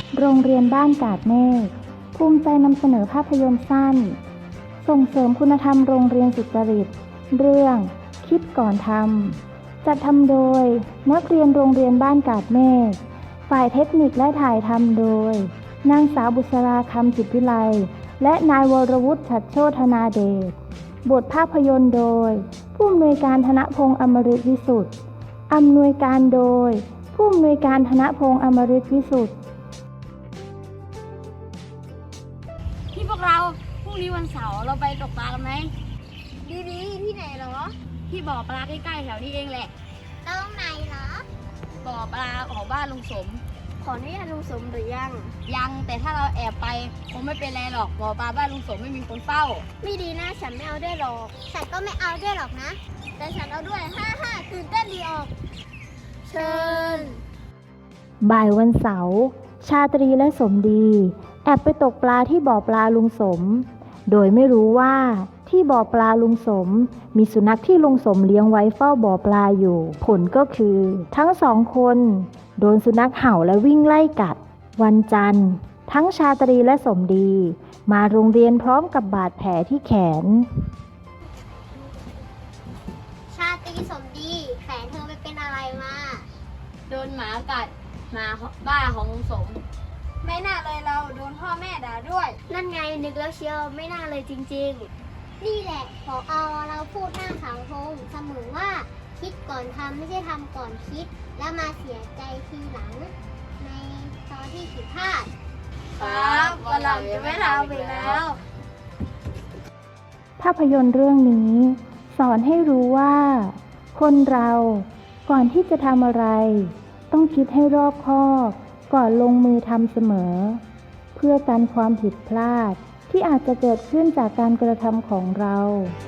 โรงเรียนบ้านกาดเมฆภูมิใจนำเสนอภาพยนตร์สั้นส่งเสริมคุณธรรมโรงเรียนสุจริตเรื่องคิดก่อนทำจัดทำโดยนักเรียนโรงเรียนบ้านกาดเมฆฝ่ายเทคนิคและถ่ายทำโดยนางสาวบุษราคำจิตวิไลและนายวรวุฒิฉัตรโชธนาเดชบทภาพยนตร์โดยผู้อำนวยการธนพงษ์อมฤตวิสุทธิ์อำนวยการโดยผู้อำนวยการธนพงษ์อมฤตวิสุทธิ์ที่พวกเราพรุ่งนี้วันเสาร์เราไปตกปลากันไหมดีที่ไหนเหรอที่บ่อปลาใกล้ๆแถวนี้เองแหละตรงไหนเหรอบ่อปลาของบ้านลุงสมขออนุญาตลุงสมหรือยังยังแต่ถ้าเราแอบไปคงไม่เป็นไรหรอกบ่อปลาบ้านลุงสมไม่มีคนเฝ้าไม่ดีนะฉันไม่เอาด้วยหรอกฉันก็ไม่เอาด้วยหรอกนะ แต่ฉันเอาด้วยฮ่าตื่นเต้นดีออก เชิญบ่ายวันเสาร์ชาตรีและสมดีแอบไปตกปลาที่บ่อปลาลุงสมโดยไม่รู้ว่าที่บ่อปลาลุงสมมีสุนัขที่ลุงสมเลี้ยงไว้เฝ้าบ่อปลาอยู่ผลก็คือทั้งสองคนโดนสุนัขเห่าและวิ่งไล่กัดวันจันทร์ทั้งชาตรีและสมดีมาโรงเรียนพร้อมกับบาดแผลที่แขนชาตรีสมดีแขนเธอไปเป็นอะไรมาโดนหมากัดหมาบ้าของลุงสมไม่น่าเลยเราโดนพ่อแม่ด่าด้วย นั่นไงนึกแล้วเชียวไม่น่าเลยจริงๆ นี่แหละพอเราพูดหน้าเสาธงเสมอว่าคิดก่อนทำไม่ใช่ทำก่อนคิด แล้วมาเสียใจทีหลัง ในตอนที่ผิดพลาดครับวันหลังจะไม่ทำอีกแล้วภาพยนตร์เรื่องนี้สอนให้รู้ว่าคนเราก่อนที่จะทำอะไรต้องคิดให้รอบคอบก่อนลงมือทำเสมอเพื่อกันความผิดพลาดที่อาจจะเกิดขึ้นจากการกระทำของเรา